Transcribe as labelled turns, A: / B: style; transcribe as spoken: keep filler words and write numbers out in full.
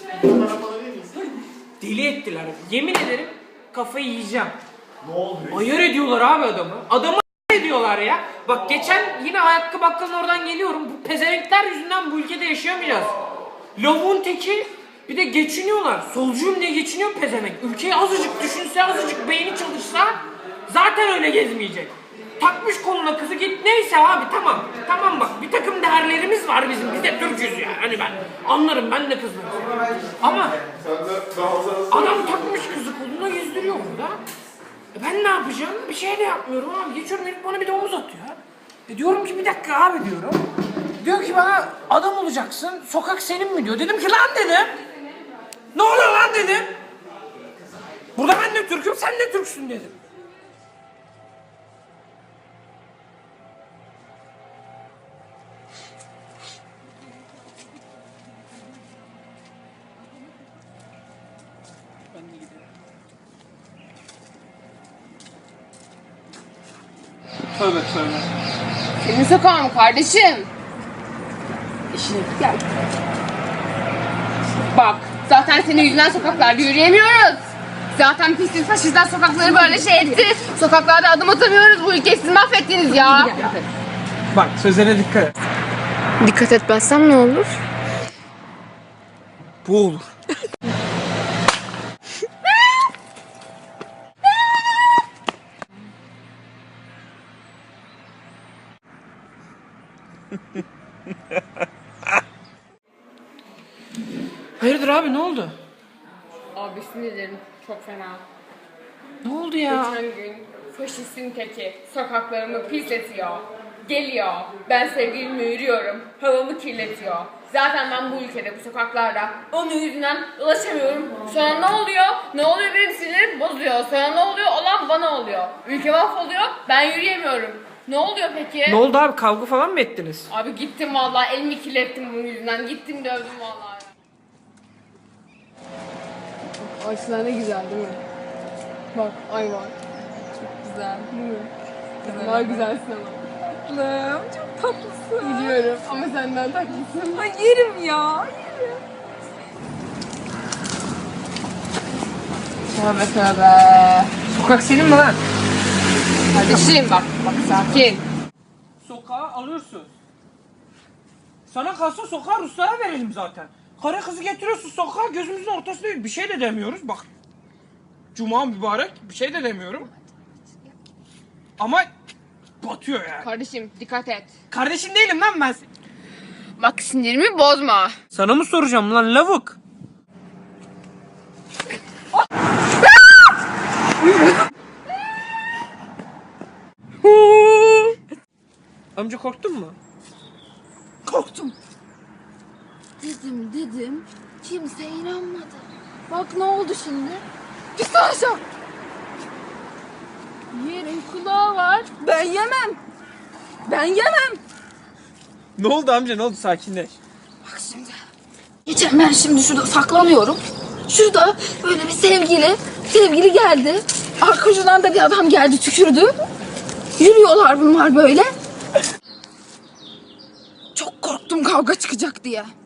A: Deli ettiler. Yemin ederim kafayı yiyeceğim.
B: Ne oldu?
A: Ayar ediyorlar abi adamı. Adamı ediyorlar ya. Bak geçen yine ayakkabı bakkalın oradan geliyorum. Bu pezevenkler yüzünden bu ülkede yaşayamayacağız. Lavuğun teki bir de geçiniyorlar. Solcuyum diye geçiniyor pezevenk. Ülkeyi azıcık düşünse, azıcık beyni çalışsa zaten öyle gezmeyecek. Takmış koluna kızı git. Neyse abi tamam. Tamam bak bir takım değerlerimiz var bizim. Biz de Türk'üz ya. Hani ben anlarım ben de kızlarım. Ama adam takmış kızı koluna gezdiriyor burada. E ben ne yapacağım? Bir şey de yapmıyorum abi. Geçiyorum herif bana bir de omuz atıyor. E diyorum ki bir dakika abi diyorum. Diyor ki bana adam olacaksın. Sokak senin mi diyor. Dedim ki lan dedim. Ne oluyor lan dedim. Burada ben de Türk'üm sen de Türksün dedim. Tövbe tövbe.
C: Senin sokağın mı kardeşim? İşine gel. Bak, zaten senin yüzünden sokaklarda yürüyemiyoruz. Zaten pislik faşistler sokakları böyle şey etti. Sokaklarda adım atamıyoruz. Bu ülkeyi siz mahvettiniz ya.
A: Bak sözlere dikkat et.
C: Dikkat etmezsem ne olur?
A: Bu olur. Hayırdır abi ne oldu?
C: Abi sinirlerim çok fena.
A: Ne oldu ya?
C: Geçen gün faşistin teki sokaklarımı pisletiyor. Geliyor. Ben sevgilimle yürüyorum. Havamı kirletiyor. Zaten ben bu ülkede, bu sokaklarda onun yüzünden ulaşamıyorum. Sonra ne oluyor? Ne oluyor benim sinirlerim bozuyor. Sonra ne oluyor? Olan bana oluyor. Ülke mahvoluyor. Ben yürüyemiyorum. Ne oluyor peki?
A: Ne oldu abi kavga falan mı ettiniz?
C: Abi gittim vallahi elimi kirlettim bunun yüzünden. Gittim dövdüm vallahi. Ağaçlar ne güzel değil mi? Bak ay var. Çok güzel değil mi? Daha güzelsin ama.
D: Tatlım, çok tatlısın.
C: Biliyorum ama senden tatlısın.
D: Ay yerim ya, yerim.
C: Tövbe tövbe.
A: Sokak senin mi lan?
C: Kardeşim bak, bak sakin.
A: Sokağa alıyorsun. Sana kalsa sokağı Ruslara verelim zaten. Karı kızı getiriyorsun sokağa gözümüzün ortasında bir şey de demiyoruz bak. Cuma mübarek bir şey de demiyorum. Ama batıyor yani.
C: Kardeşim dikkat et.
A: Kardeşin değilim lan ben.
C: Bak sinirimi bozma.
A: Sana mı soracağım lan lavuk? Amca korktun mu?
D: Korktum. Dedim dedim, kimse inanmadı. Bak ne oldu şimdi? Git aşağı. Yerin kulağı var. Ben yemem. Ben yemem.
A: Ne oldu amca ne oldu sakinleş.
D: Bak şimdi. Geçen ben şimdi şurada saklanıyorum. Şurada böyle bir sevgili, sevgili geldi. Arkadan da bir adam geldi tükürdü. Yürüyorlar bunlar böyle. Çok korktum kavga çıkacak diye.